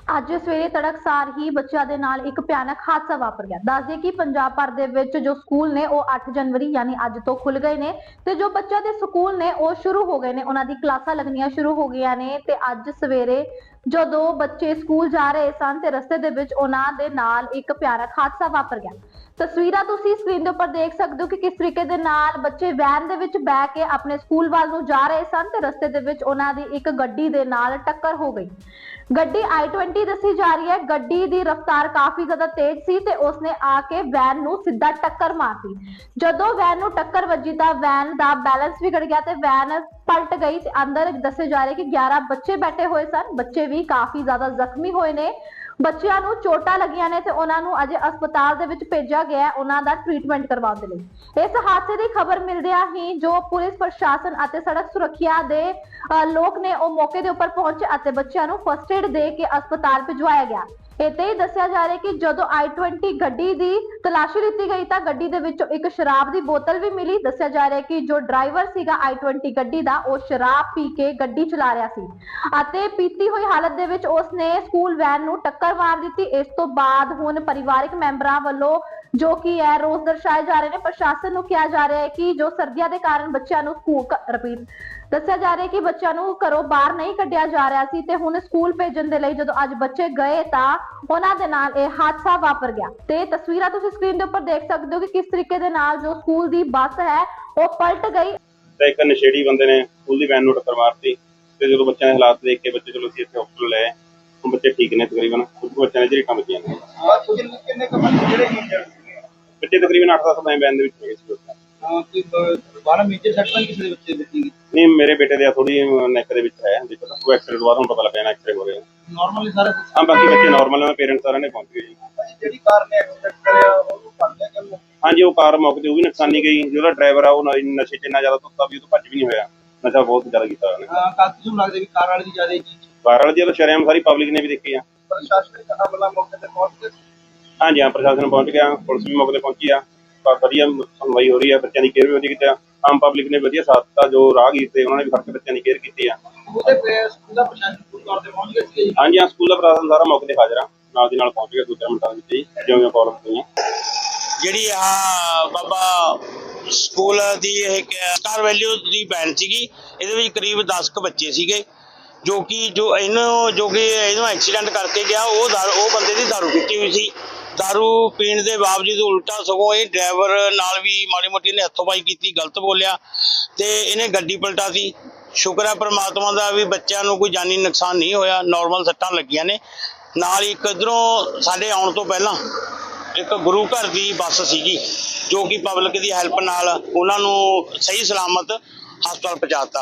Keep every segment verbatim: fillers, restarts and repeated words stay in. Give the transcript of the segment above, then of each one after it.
ਅੱਜ ਸਵੇਰੇ ਤੜਕਸਾਰ ਹੀ ਬੱਚਿਆਂ ਦੇ ਨਾਲ ਇੱਕ ਭਿਆਨਕ ਹਾਦਸਾ ਵਾਪਰ ਗਿਆ। ਦੱਸ ਦਈਏ ਕਿ ਪੰਜਾਬ ਭਰ ਦੇ ਵਿੱਚ ਜੋ ਸਕੂਲ ਨੇ ਉਹ ਅੱਠ ਜਨਵਰੀ ਯਾਨੀ ਅੱਜ ਤੋਂ ਖੁੱਲ ਗਏ ਨੇ ਤੇ ਜੋ ਬੱਚਿਆਂ ਦੇ ਸਕੂਲ ਨੇ ਉਹ ਸ਼ੁਰੂ ਹੋ ਗਏ ਨੇ, ਉਹਨਾਂ ਦੀ ਕਲਾਸਾਂ ਲੱਗਣੀਆਂ ਸ਼ੁਰੂ ਹੋ ਗਈਆਂ ਨੇ। ਤੇ ਅੱਜ ਸਵੇਰੇ ਜਦੋਂ ਬੱਚੇ ਸਕੂਲ ਜਾ ਰਹੇ ਸਨ ਤੇ ਰਸਤੇ ਦੇ ਵਿੱਚ ਉਹਨਾਂ ਦੇ ਨਾਲ ਇੱਕ ਭਿਆਨਕ ਹਾਦਸਾ ਵਾਪਰ ਗਿਆ। ਤਸਵੀਰਾਂ ਤੁਸੀਂ ਸਕਰੀਨ ਦੇ ਉੱਪਰ ਦੇਖ ਸਕਦੇ ਹੋ ਕਿ ਕਿਸ ਤਰੀਕੇ ਦੇ ਨਾਲ ਬੱਚੇ ਵੈਨ ਦੇ ਵਿੱਚ ਬੈ ਕੇ ਆਪਣੇ ਸਕੂਲ ਵੱਲ ਨੂੰ ਜਾ ਰਹੇ ਸਨ ਤੇ ਰਸਤੇ ਦੇ ਵਿੱਚ ਉਹਨਾਂ ਦੀ ਇੱਕ ਗੱਡੀ ਦੇ ਨਾਲ ਟੱਕਰ ਹੋ ਗਈ। ਗੱਡੀ ਆਈ ਟਵੰਟੀ ਦੱਸੀ ਜਾ ਰਹੀ ਹੈ। ਗੱਡੀ ਦੀ ਰਫ਼ਤਾਰ ਕਾਫੀ ਜ਼ਿਆਦਾ ਤੇਜ਼ ਸੀ ਤੇ ਉਸਨੇ ਆ ਕੇ ਵੈਨ ਨੂੰ ਸਿੱਧਾ ਟੱਕਰ ਮਾਰਤੀ। ਜਦੋਂ ਵੈਨ ਨੂੰ ਟੱਕਰ ਵੱਜੀ ਤਾਂ ਵੈਨ ਦਾ ਬੈਲੈਂਸ ਵਿਗੜ ਗਿਆ ਤੇ ਵੈਨ ਪਲਟ ਗਈ ਤੇ ਅੰਦਰ ਦੱਸੇ ਜਾ ਰਹੇ ਕਿ ਗਿਆਰਾਂ ਬੱਚੇ ਬੈਠੇ ਹੋਏ ਸਨ। ਬੱਚੇ ਵੀ ਕਾਫੀ ਜ਼ਿਆਦਾ ਜ਼ਖਮੀ ਹੋਏ ਨੇ। ਬੱਚਿਆਂ ਨੂੰ ਚੋਟਾਂ ਲੱਗੀਆਂ ਨੇ ਤੇ ਉਹਨਾਂ ਨੂੰ ਅਜੇ ਹਸਪਤਾਲ ਦੇ ਵਿੱਚ ਭੇਜਿਆ ਗਿਆ ਹੈ ਉਹਨਾਂ ਦਾ ਟ੍ਰੀਟਮੈਂਟ ਕਰਵਾਉਣ ਦੇ ਲਈ। ਇਸ ਹਾਦਸੇ ਦੀ ਖਬਰ ਮਿਲਦਿਆਂ ਹੀ ਜੋ ਪੁਲਿਸ ਪ੍ਰਸ਼ਾਸਨ ਅਤੇ ਸੜਕ ਸੁਰੱਖਿਆ ਦੇ ਲੋਕ ਨੇ ਉਹ ਮੌਕੇ ਦੇ ਉੱਪਰ ਪਹੁੰਚੇ ਅਤੇ ਬੱਚਿਆਂ ਨੂੰ ਫਸਟ ਏਡ ਦੇ ਕੇ ਹਸਪਤਾਲ ਭਿਜਵਾਇਆ ਗਿਆ। ਇੱਥੇ ਹੀ ਦੱਸਿਆ ਜਾ ਰਿਹਾ ਕਿ ਜਦੋਂ ਆਈ ਟਵੰਟੀ ਗੱਡੀ ਦੀ ਤਲਾਸ਼ੀ ਲਿੱਤੀ ਗਈ ਤਾਂ ਗੱਡੀ ਦੇ ਵਿੱਚੋਂ ਇੱਕ ਸ਼ਰਾਬ ਦੀ ਬੋਤਲ ਵੀ ਮਿਲੀ। ਦੱਸਿਆ ਜਾ ਰਿਹਾ ਕਿ ਜੋ ਡਰਾਈਵਰ ਸੀਗਾ ਆਈ ਟਵੰਟੀ ਗੱਡੀ ਦਾ ਉਹ ਸ਼ਰਾਬ ਪੀ ਕੇ ਗੱਡੀ ਚਲਾ ਰਿਹਾ ਸੀ ਅਤੇ ਪੀਤੀ ਹੋਈ ਹਾਲਤ ਦੇ ਵਿੱਚ ਉਸਨੇ ਸਕੂਲ ਵੈਨ ਨੂੰ ਟੱਕਰ ਮਾਰ ਦਿੱਤੀ। ਇਸ ਤੋਂ ਬਾਅਦ ਹੁਣ ਪਰਿਵਾਰਕ ਮੈਂਬਰਾਂ ਵੱਲੋਂ ਜੋ ਕਿ ਹੈ ਰੋਸ ਦਰਸਾਏ ਜਾ ਰਹੇ ਨੇ। ਪ੍ਰਸ਼ਾਸਨ ਨੂੰ ਕਿਹਾ ਜਾ ਰਿਹਾ ਹੈ ਕਿ ਜੋ ਸਰਦੀਆਂ ਦੇ ਕਾਰਨ ਬੱਚਿਆਂ ਨੂੰ ਸਕੂਲ ਰਿਪੀਟ ਦੱਸਿਆ ਜਾ ਰਿਹਾ ਕਿ ਬੱਚਿਆਂ ਨੂੰ ਘਰੋਂ ਬਾਹਰ ਨਹੀਂ ਕੱਢਿਆ ਜਾ ਰਿਹਾ ਸੀ ਤੇ ਹੁਣ ਸਕੂਲ ਭੇਜਣ ਦੇ ਲਈ ਜਦੋਂ ਅੱਜ ਬੱਚੇ ਗਏ ਤਾਂ ਉਹਨਾਂ ਦੇ ਨਾਲ ਇਹ ਹਾਦਸਾ ਵਾਪਰ ਗਿਆ। ਤੇ ਤਸਵੀਰਾਂ ਤੁਸੀਂ ਸਕਰੀਨ ਦੇ ਉੱਪਰ ਦੇਖ ਸਕਦੇ ਹੋ ਕਿ ਕਿਸ ਤਰੀਕੇ ਦੇ ਨਾਲ ਜੋ ਸਕੂਲ ਦੀ ਬੱਸ ਹੈ ਉਹ ਪਲਟ ਗਈ। ਤੇ ਇੱਕ ਨਸ਼ੇੜੀ ਬੰਦੇ ਨੇ ਸਕੂਲ ਦੀ ਵੈਨ ਨੂੰ ਟੱਕਰ ਮਾਰਤੀ ਤੇ ਜਦੋਂ ਬੱਚਿਆਂ ਦੇ ਹਾਲਾਤ ਦੇਖ ਕੇ ਬੱਚੇ ਚਲੋ ਅਸੀਂ ਇੱਥੇ ਹਸਪਤਾਲ ਲੈ ਹੁਣ ਬੱਚੇ ਠੀਕ ਨੇ ਤਕਰੀਬਨ। ਕੁਝ ਬੱਚਿਆਂ ਨੇ ਜਿਹੜੀਆਂ ਵੱਜੀਆਂ ਨੇ ਕਿੰਨੇ ਕੁ ਬੱਚੇ ਜਿਹੜੇ ਇੰਜਰਡ ਸੀਗੇ? ਬੱਚੇ ਤਕਰੀਬਨ ਅੱਠ ਦਸ ਵੈਨ ਦੇ ਵਿੱਚ ਹੈਗੇ ਸੀ। ਹਾਂ ਕੋਈ ਬਾਹਰ ਮੇਜਰ ਸੱਟ ਤਾਂ ਕਿਸੇ ਦੇ ਬੱਚੇ ਦਿੱਤੀ ਗਈ? ਨਹੀਂ, ਮੇਰੇ ਬੇਟੇ ਦੇ ਥੋੜੀ ਨੈਕ ਦੇ ਵਿੱਚ ਹੈ ਦੇਖੋ ਤਾਂ ਉਹ ਐਕਸਰੇ ਤੋਂ ਬਾਅਦ ਹੁਣ ਪਤਾ ਲੱਗਿਆ ਨਾ ਐਕਸਰੇ ਹੋ ਰਹੇ ਨਾਰਮਲੀ ਸਾਰਾ ਕੁਝ? ਹਾਂ, ਬਾਕੀ ਬੱਚੇ ਨਾਰਮਲ ਨੇ। ਪੇਰੈਂਟਸ ਸਾਰਿਆਂ ਨੇ ਪਹੁੰਚ ਗਏ ਜੀ। ਜਿਹੜੀ ਕਾਰ ਨੇ ਐਕਸੀਡੈਂਟ ਕਰਿਆ ਉਹਨੂੰ ਫੜ ਲਿਆ ਕਿ? ਹਾਂਜੀ, ਉਹ ਕਾਰ ਮੌਕੇ ਤੇ ਉਹ ਵੀ ਨੁਕਸਾਨੀ ਗਈ। ਜਿਹੜਾ ਡਰਾਈਵਰ ਆ ਉਹ ਨਸ਼ੇ 'ਚ ਇੰਨਾ ਜ਼ਿਆਦਾ ਧੁੱਤਾ ਵੀ ਉਹ ਤੋਂ ਭੱਜ ਵੀ ਨਹੀਂ ਹੋਇਆ। ਨਸ਼ਾ ਬਹੁਤ ਜ਼ਿਆਦਾ ਕੀਤਾ ਉਹਨੇ। ਹਾਂ, ਕਾਫੀ ਨੂੰ ਲੱਗਦਾ ਵੀ ਕਾਰ ਵਾਲੇ ਦੀ ਜ਼ਿਆਦਾ ਹੀ ਚੀਜ਼? ਕਾਰ ਵਾਲੇ ਦੀ ਤਾਂ ਸ਼ਰੇਆਮ ਸਾਰੀ ਪਬਲਿਕ ਨੇ ਵੀ ਦੇਖੀ ਆ। ਪ੍ਰਸ਼ਾਸਨਿਕ ਅਮਲਾ ਮੌਕੇ ਤੇ ਪਹੁੰਚ ਕੇ? ਹਾਂਜੀ ਹਾਂ, ਪ੍ਰਸ਼ਾਸਨ ਪਹੁੰਚ ਗਿਆ, ਪੁਲਿਸ ਵੀ ਮੌਕੇ ਤੇ ਪਹੁੰਚੀ ਆ। ਵਧੀਆ ਸੁਣਵਾਈ ਹੋ ਰਹੀ ਹੈ, ਬੱਚਿਆਂ ਦੀ ਕੇਅਰ ਵੀ ਵਧੀਆ ਕੀਤੀ ਆ। ਆਮ ਪਬਲਿਕ ਨੇ ਵਧੀਆ ਸਾਥ ਦਿੱਤਾ। ਜੋ ਰਾਹਗੀਰ ਤੇ ਉਹਨਾਂ ਨੇ ਵੀ ਫੜ ਕੇ ਬੱਚਿਆਂ ਦੀ ਕੇਅਰ ਕੀਤੀ ਆ। ਉਹਦੇ ਪੇ ਸਕੂਲ ਦਾ ਪ੍ਰਸ਼ਾਸਨ ਪੂਰੀ ਤੌਰ ਤੇ ਪਹੁੰਚ ਗਿਆ ਸੀ? ਹਾਂਜੀ ਹਾਂ, ਸਕੂਲ ਦਾ ਪ੍ਰਸ਼ਾਸਨ ਸਾਰਾ ਮੌਕੇ ਤੇ ਹਾਜ਼ਰ ਆ, ਨਾਲ ਦੀ ਨਾਲ ਪਹੁੰਚ ਗਿਆ ਦੂਜੇ ਮਿੰਟਾਂ ਵਿੱਚ ਹੀ ਜਿਉਂ ਪ੍ਰੋਬਲਮ ਹੋਈਆਂ। ਜਿਹੜੀ ਆ ਬਾਬਾ ਸਕੂਲ ਦੀ ਇਹ ਸਟਾਰ ਵੈਲਿਊ ਦੀ ਵੈਨ ਸੀਗੀ, ਇਹਦੇ ਵਿੱਚ ਕਰੀਬ ਦਸ ਕੁ ਬੱਚੇ ਸੀਗੇ ਜੋ ਕਿ ਜੋ ਇਹਨੂੰ ਜੋ ਕਿ ਇਹਨੂੰ ਐਕਸੀਡੈਂਟ ਕਰਕੇ ਗਿਆ ਉਹ ਦਾਰੂ ਉਹ ਬੰਦੇ ਦੀ ਦਾਰੂ ਪੀਤੀ ਹੋਈ ਸੀ। ਦਾਰੂ ਪੀਣ ਦੇ ਬਾਵਜੂਦ ਉਲਟਾ ਸਗੋਂ ਇਹ ਡਰਾਈਵਰ ਨਾਲ ਵੀ ਮਾੜੀ ਮੋਟੀ ਨੇ ਹੱਥੋਂਬਾਈ ਕੀਤੀ, ਗਲਤ ਬੋਲਿਆ ਤੇ ਇਹਨੇ ਗੱਡੀ ਪਲਟਾ ਸੀ। ਸ਼ੁਕਰ ਹੈ ਪ੍ਰਮਾਤਮਾ ਦਾ ਵੀ ਬੱਚਿਆਂ ਨੂੰ ਕੋਈ ਜਾਨੀ ਨੁਕਸਾਨ ਨਹੀਂ ਹੋਇਆ, ਨਾਰਮਲ ਸੱਟਾਂ ਲੱਗੀਆਂ ਨੇ। ਨਾਲ ਹੀ ਇੱਕ ਇੱਧਰੋਂ ਸਾਡੇ ਆਉਣ ਤੋਂ ਪਹਿਲਾਂ ਇੱਕ ਗੁਰੂ ਘਰ ਦੀ ਬੱਸ ਸੀਗੀ ਜੋ ਕਿ ਪਬਲਿਕ ਦੀ ਹੈਲਪ ਨਾਲ ਉਹਨਾਂ ਨੂੰ ਸਹੀ ਸਲਾਮਤ ਹਸਪਤਾਲ ਪਹੁੰਚਾਤਾ।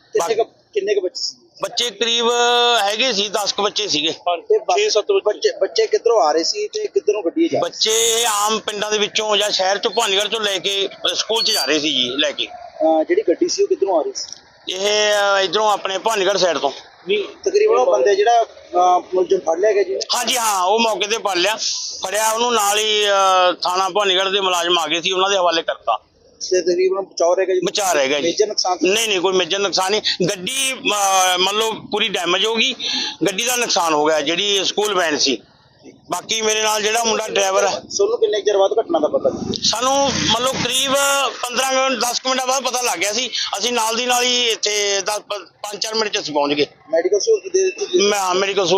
ਕਿੰਨੇ ਕੁ ਬੱਚੇ? ਬੱਚੇ ਕਰੀਬ ਹੈਗੇ ਸੀ ਦਸ ਕੁ ਬੱਚੇ ਸੀਗੇ। ਛੇ ਸੱਤ ਬੱਚੇ? ਬੱਚੇ ਕਿੱਧਰੋਂ ਆ ਰਹੇ ਸੀ ਤੇ ਕਿੱਧਰੋਂ ਗੱਡੀ ਜਾ? ਬੱਚੇ ਆਮ ਪਿੰਡਾਂ ਦੇ ਵਿੱਚੋਂ ਜਾਂ ਸ਼ਹਿਰ ਚੋਂ ਭਾਨੀਗੜ੍ਹ ਤੋਂ ਲੈ ਕੇ ਸਕੂਲ 'ਚ ਜਾ ਰਹੇ ਸੀ ਜੀ ਲੈ ਕੇ। ਜਿਹੜੀ ਗੱਡੀ ਸੀ ਉਹ ਕਿੱਧਰੋਂ ਆ ਰਹੀ ਸੀ? ਇਹ ਇਧਰੋਂ ਆਪਣੇ ਭਾਨੀਗੜ੍ਹ ਸਾਈਡ ਤੋਂ। ਤਕਰੀਬਨ ਉਹ ਬੰਦੇ ਜਿਹੜਾ ਮੁਲਜ਼ਮ ਫੜ ਲਿਆ ਗਿਆ ਜੀ? ਹਾਂਜੀ ਹਾਂ, ਉਹ ਮੌਕੇ ਤੇ ਫੜ ਲਿਆ ਫੜਿਆ ਉਹਨੂੰ। ਨਾਲ ਹੀ ਥਾਣਾ ਭਾਨੀਗੜ੍ਹ ਦੇ ਮੁਲਾਜ਼ਮ ਆ ਗਏ ਸੀ, ਉਹਨਾਂ ਦੇ ਹਵਾਲੇ ਕਰਤਾ। ਤੇ ਤਕਰੀਬਨ ਬਚਾਅ ਰਹਿ ਗਿਆ ਜੀ? ਬਚਾਅ ਰਹਿ ਗਿਆ ਜੀ। ਮੇਜਰ ਨੁਕਸਾਨ? ਨਹੀਂ ਨਹੀਂ, ਕੋਈ ਮੇਜਰ ਨੁਕਸਾਨ ਨਹੀਂ। ਗੱਡੀ ਮੰਨ ਲਓ ਪੂਰੀ ਡੈਮੇਜ ਹੋ ਗਈ, ਗੱਡੀ ਦਾ ਨੁਕਸਾਨ ਹੋ ਗਿਆ ਜਿਹੜੀ ਸਕੂਲ ਵੈਨ ਸੀ। ਬਾਕੀ ਮੇਰੇ ਨਾਲ ਜਿਹੜਾ ਮੁੰਡਾ ਡਰਾਈਵਰ ਹੈ। ਤੁਹਾਨੂੰ ਕਿੰਨੇ ਚਿਰ ਬਾਅਦ ਘਟਨਾ ਦਾ ਪਤਾ? ਸਾਨੂੰ ਮੰਨ ਲਓ ਕਰੀਬ ਪੰਦਰਾਂ ਦਸ ਮਿੰਟਾਂ ਬਾਅਦ ਪਤਾ ਲੱਗ ਗਿਆ ਸੀ। ਅਸੀਂ ਨਾਲ ਦੀ ਨਾਲ ਹੀ ਇੱਥੇ ਦਸ ਪੰਜ ਚਾਰ ਮਿੰਟ 'ਚ ਅਸੀਂ ਪਹੁੰਚ ਗਏ। ਮੈਡੀਕਲ ਸਹੂਲਤ ਦੇ ਦਿੱਤੀ? ਮੈਂ ਮੈਡੀਕਲ